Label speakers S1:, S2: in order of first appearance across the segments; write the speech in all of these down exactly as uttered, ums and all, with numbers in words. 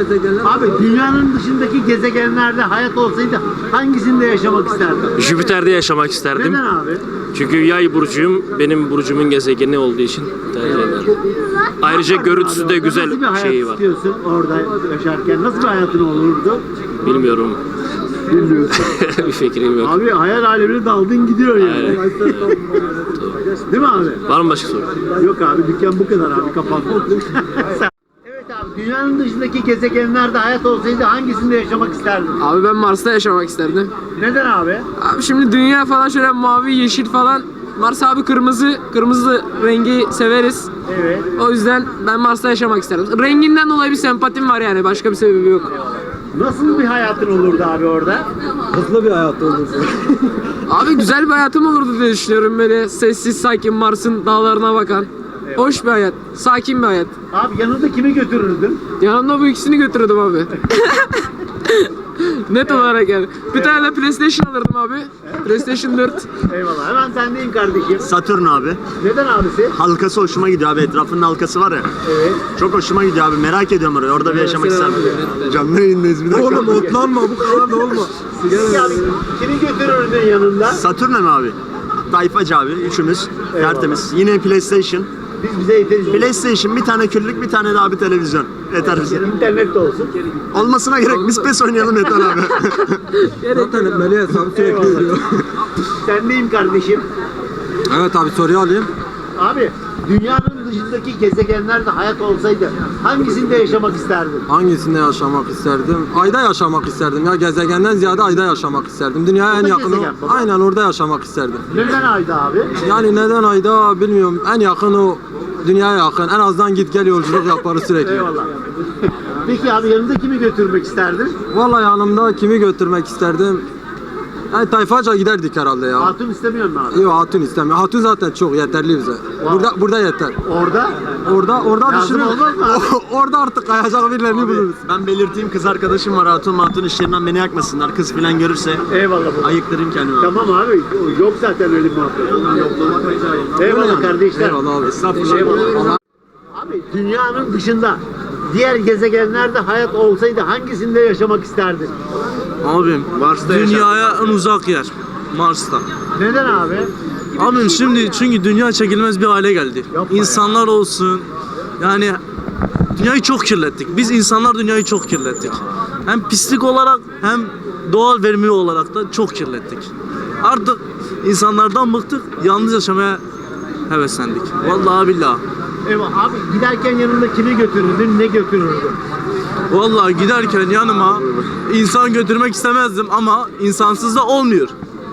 S1: gezegenler.
S2: Abi dünyanın dışındaki gezegenlerde hayat olsaydı hangisinde yaşamak isterdin?
S3: Jüpiter'de yaşamak isterdim.
S2: Neden abi?
S3: Çünkü yay burcuyum. Benim burcumun gezegeni olduğu için tercih ederim. Ayrıca görüntüsü de güzel
S2: Nasıl bir hayat
S3: şeyi var.
S2: istiyorsun orada yaşarken? Nasıl bir hayatın olurdu?
S3: Bilmiyorum.
S2: Bilmiyorsun.
S3: Bir fikrim yok.
S2: Abi hayal alemine daldın gidiyor yani.
S3: Aynen.
S2: Değil mi abi?
S3: Var mı başka soru?
S2: Yok abi dükkan bu kadar abi kapandı. Evet abi dünyanın dışındaki gezegenlerde hayat olsaydı hangisinde yaşamak isterdin?
S1: Abi ben Mars'ta yaşamak isterdim.
S2: Neden abi?
S1: Abi şimdi dünya falan şöyle mavi, yeşil falan. Mars abi kırmızı, kırmızı rengi severiz.
S2: Evet.
S1: O yüzden ben Mars'ta yaşamak isterdim. Renginden dolayı bir sempatim var yani, başka bir sebebi yok.
S2: Nasıl bir hayatın olurdu abi orada?
S4: Hızlı bir hayat olurdu.
S1: Abi güzel bir hayatım olurdu diye düşünüyorum, böyle sessiz sakin Mars'ın dağlarına bakan. Hoş bir hayat, sakin bir hayat.
S2: Abi yanında kimi götürürdün?
S1: Yanımda bu ikisini götürürdüm abi. Net olarak yani. Bir tane de PlayStation alırdım abi. PlayStation dört.
S2: Eyvallah hemen sendeyim kardeşim.
S5: Satürn abi.
S2: Neden abisi?
S5: Halkası hoşuma gidiyor abi. Etrafının halkası var ya.
S2: Evet.
S5: Çok hoşuma gidiyor abi. Merak ediyorum orayı. Orada bir yaşamak isterim. Canlı yayındayız bir dakika.
S4: Oğlum otlanma, bu kadar da olma.
S2: Peki abi kimi götürürdün yanında?
S5: Satürn mi abi? Tayfacı abi. Üçümüz.
S2: Eyvallah.
S5: Tertemiz. Yine PlayStation.
S2: Biz bize yeteriz.
S5: PlayStation bir tane küllük bir tane de abi televizyon. Yeter bize.
S2: İnternet de olsun.
S5: Olmasına gerek. Biz PES oynayalım yeter abi.
S4: Zaten etmeli hesabı sürekli
S2: Eyvallah.
S4: veriyor.
S2: Sendeyim kardeşim.
S4: Evet abi, soruyu alayım.
S2: Abi dünyanın dışındaki gezegenlerde hayat olsaydı hangisinde yaşamak isterdin?
S4: Hangisinde yaşamak isterdim? Ayda yaşamak isterdim ya, gezegenden ziyade ayda yaşamak isterdim. Dünyaya en
S2: Orada
S4: yakın o.
S2: gezegen baba.
S4: Aynen orada yaşamak isterdim.
S2: Neden ayda abi?
S4: Yani neden ayda bilmiyorum, en yakın o, dünyaya yakın. En azından git gel yolculuk yaparız sürekli.
S2: Eyvallah. Peki abi yanında kimi götürmek isterdin?
S4: Vallahi yanımda kimi götürmek isterdim? Yani tayfaca giderdik herhalde ya.
S2: Hatun istemiyor mu abi?
S4: Yok, hatun istemiyor. Hatun zaten çok yeterli bize. Burada burada yeter.
S2: Orada?
S4: Orada orada
S2: Lazım
S4: düşünüyoruz.
S2: olmaz mı abi?
S4: Orada artık kayacak birilerini buluruz.
S5: Ben belirteyim, kız arkadaşım var. Hatun hatun işlerinden beni yakmasınlar. Kız falan görürse
S2: Eyvallah baba.
S5: ayıktırayım kendimi abi.
S2: Tamam abi yok zaten öyle bir muhabbet. Eyvallah kardeşler.
S4: Eyvallah abi.
S5: Estağfurullah.
S2: Eyvallah. Abi dünyanın dışında diğer gezegenlerde hayat olsaydı hangisinde yaşamak isterdin?
S6: Abim dünyaya en uzak yer Mars'ta.
S2: Neden abi?
S6: Abim şimdi çünkü dünya çekilmez bir hale geldi.
S2: Yapma
S6: İnsanlar olsun yani dünyayı çok kirlettik. Biz insanlar dünyayı çok kirlettik. Hem pislik olarak hem doğal verimi olarak da çok kirlettik. Artık insanlardan bıktık, yalnız yaşamaya heveslendik. Vallahi billahi.
S2: Eyvallah abi giderken yanında kimi götürürdün, ne götürürdün?
S6: Vallahi giderken yanıma insan götürmek istemezdim ama insansız da olmuyor.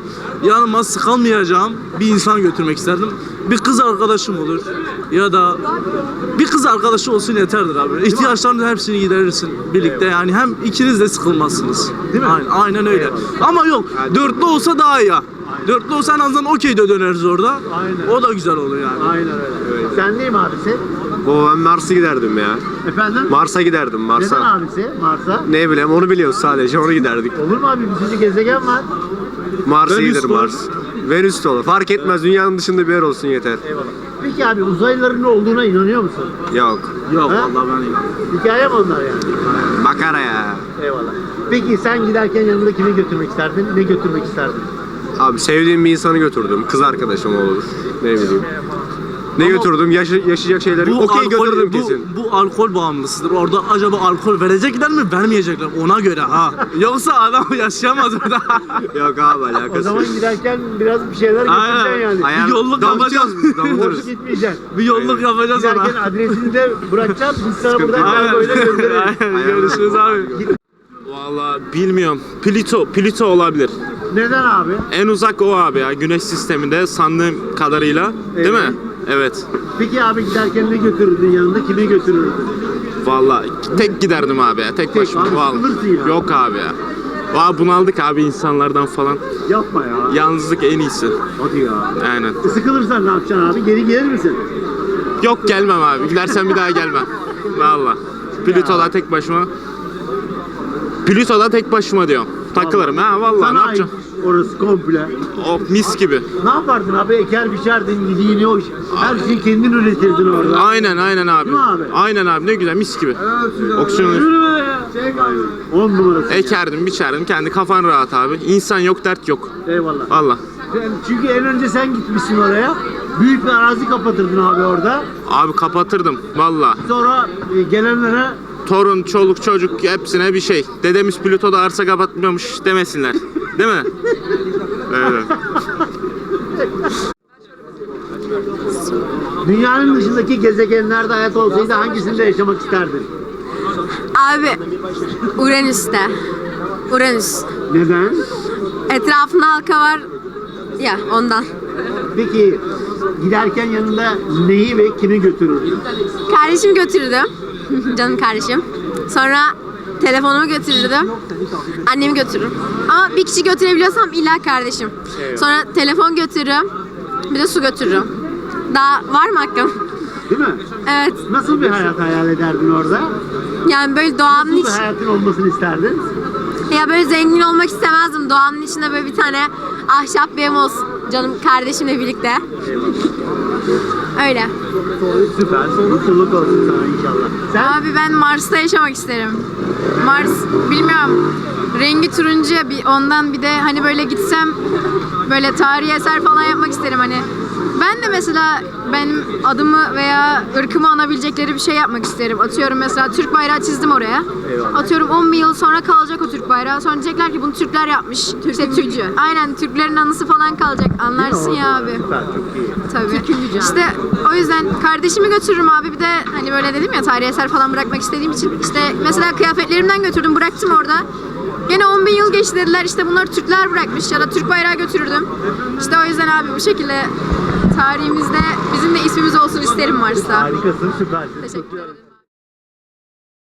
S6: Yanıma sıkılmayacağım bir insan götürmek isterdim. Bir kız arkadaşım olur ya da bir kız arkadaşı olsun yeterdir abi. İhtiyaçlarını hepsini giderirsin birlikte yani hem ikiniz de sıkılmazsınız.
S2: Değil mi?
S6: Aynen, aynen öyle. Ama yok dörtlü olsa daha iyi. Dörtlü olsa en azından okey'de döneriz orada.
S2: Aynen.
S6: O da güzel olur yani.
S2: Aynen öyle. Sen değil mi abisi?
S7: Baba ben Mars'a giderdim ya.
S2: Efendim?
S7: Mars'a giderdim
S2: Neden
S7: Mars'a.
S2: abisi? Mars'a?
S7: Ne bileyim onu biliyoruz sadece onu giderdik.
S2: Olur mu abi? Bir sürü gezegen var.
S7: Mars'a
S6: Venüs
S7: gider
S6: de
S7: Mars. Venüs de olur. Fark etmez dünyanın dışında bir yer olsun yeter.
S2: Eyvallah. Peki abi uzaylıların olduğuna inanıyor musun?
S7: Yok.
S6: Yok
S2: Ha?
S6: vallahi ben inanmıyorum.
S2: Hikaye mi onlar yani?
S7: Makara ya.
S2: Eyvallah. Peki sen giderken yanında kimi götürmek isterdin? Ne götürmek isterdin?
S7: Abi sevdiğim bir insanı götürdüm. Kız arkadaşım olur. Ne bileyim. Ne
S6: Ama
S7: götürdüm? Yaşa- yaşayacak şeyleri. Okey
S6: alkol-
S7: götürdüm
S6: bu,
S7: kesin.
S6: Bu alkol bağımlısıdır. Orada acaba alkol verecekler mi, vermeyecekler ona göre ha. Yoksa adam yaşayamaz burada.
S7: Yok abi
S2: O
S7: alakası
S2: zaman
S7: yok.
S2: giderken biraz bir şeyler
S6: Aynen.
S2: götüreceksin yani.
S7: Ayar-
S6: Bir yolluk
S7: damıtıyoruz
S6: yapacağız.
S7: biz, damıtıyoruz.
S2: Boş gitmeyeceksin.
S6: Bir yolluk yapacağız ona.
S2: Giderken adresini de bırakacağız. Biz sana buradan
S6: Aynen.
S2: böyle göndeririz.
S6: Aynen. Görüşürüz abi.
S3: Vallahi bilmiyorum. Plüto, Plüto olabilir.
S2: Neden abi?
S3: En uzak o abi ya. Güneş sisteminde sandığım kadarıyla. Değil
S2: Evet.
S3: mi? Evet.
S2: Peki abi giderken ne götürürdün yanında? Kimi götürürdün?
S3: Vallahi tek giderdim abi ya. Tek başıma.
S2: abi,
S3: Vallahi.
S2: sıkılırsın ya.
S3: Yok abi ya. Valla bunaldık abi insanlardan falan.
S2: Yapma ya.
S3: Yalnızlık en iyisi.
S2: Hadi ya.
S3: Aynen.
S2: E, Sıkılırsan ne yapacaksın abi? Geri gelir misin?
S3: Yok gelmem abi. Gidersen bir daha gelmem. Valla. Plüto'da tek başıma. Plüto'da tek başıma diyorum. Takılırım ha vallahi
S2: Sana
S3: ne
S2: ait
S3: yapacağım?
S2: orası komple.
S8: O mis gibi.
S2: Ne yapardın abi? Eker biçerdin, yediğini o her şeyi kendin üretirdin orada.
S8: Aynen aynen abi.
S2: Değil mi abi?
S8: Aynen abi ne güzel mis gibi. Oksijen
S2: On numarası.
S8: ekerdim biçerdim kendi kafan rahat abi. İnsan yok dert yok.
S2: Eyvallah.
S8: Valla.
S2: Sen- Çünkü en önce sen gitmişsin oraya. Büyük bir arazi kapatırdın abi orada.
S8: Abi kapatırdım valla.
S2: Sonra e, gelenlere
S8: Torun, çoluk, çocuk hepsine bir şey. Dedemiz Plüto'da arsa kapatmıyormuş demesinler. Değil mi? Evet.
S2: dünyanın dışındaki gezegenlerde hayat olsaydı hangisinde yaşamak isterdin?
S9: Abi Uranüs'te. Uranüs.
S2: Neden?
S9: Etrafında halka var ya ondan.
S2: Peki giderken yanında neyi ve kimi götürürdün?
S9: Kardeşimi götürdüm. Canım kardeşim. Sonra telefonumu götürürdüm. Annemi götürürüm. Ama bir kişi götürebiliyorsam illa kardeşim. Sonra telefon götürürüm. Bir de su götürürüm. Daha var mı hakkım?
S2: Değil mi?
S9: Evet.
S2: Nasıl bir hayat hayal ederdin orada?
S9: Yani böyle doğanın
S2: Nasıl
S9: iç...
S2: bir hayatın olmasını isterdin?
S9: Ya böyle zengin olmak istemezdim. Doğanın içinde böyle bir tane ahşap bir ev olsun. Canım kardeşimle birlikte. Öyle.
S2: Süper. Mutluluk olsun sana inşallah. Sen?
S9: Abi ben Mars'ta yaşamak isterim. Mars bilmiyorum. Rengi turuncu ya, bir ondan bir de hani böyle gitsem böyle tarihi eser falan yapmak isterim hani. Ben de mesela benim adımı veya ırkımı anabilecekleri bir şey yapmak isterim. Atıyorum mesela Türk bayrağı çizdim oraya. Atıyorum on bin yıl sonra kalacak o Türk bayrağı. Sonra diyecekler ki bunu Türkler yapmış. İşte Türk, aynen Türklerin anısı falan kalacak. Anlarsın ya abi.
S2: Süper, çok iyi.
S9: Tabii. İşte o yüzden kardeşimi götürürüm abi. Bir de hani böyle dedim ya tarihi eser falan bırakmak istediğim için. İşte mesela kıyafetlerimden götürdüm, bıraktım orada. Gene on bin yıl geçti dediler, işte bunları Türkler bırakmış ya da Türk bayrağı götürürdüm. İşte o yüzden abi bu şekilde tarihimizde bizim de ismimiz olsun isterim Mars'ta.
S2: Harikasın, süpersin.
S9: Teşekkür
S2: Kutluyorum.
S9: ederim.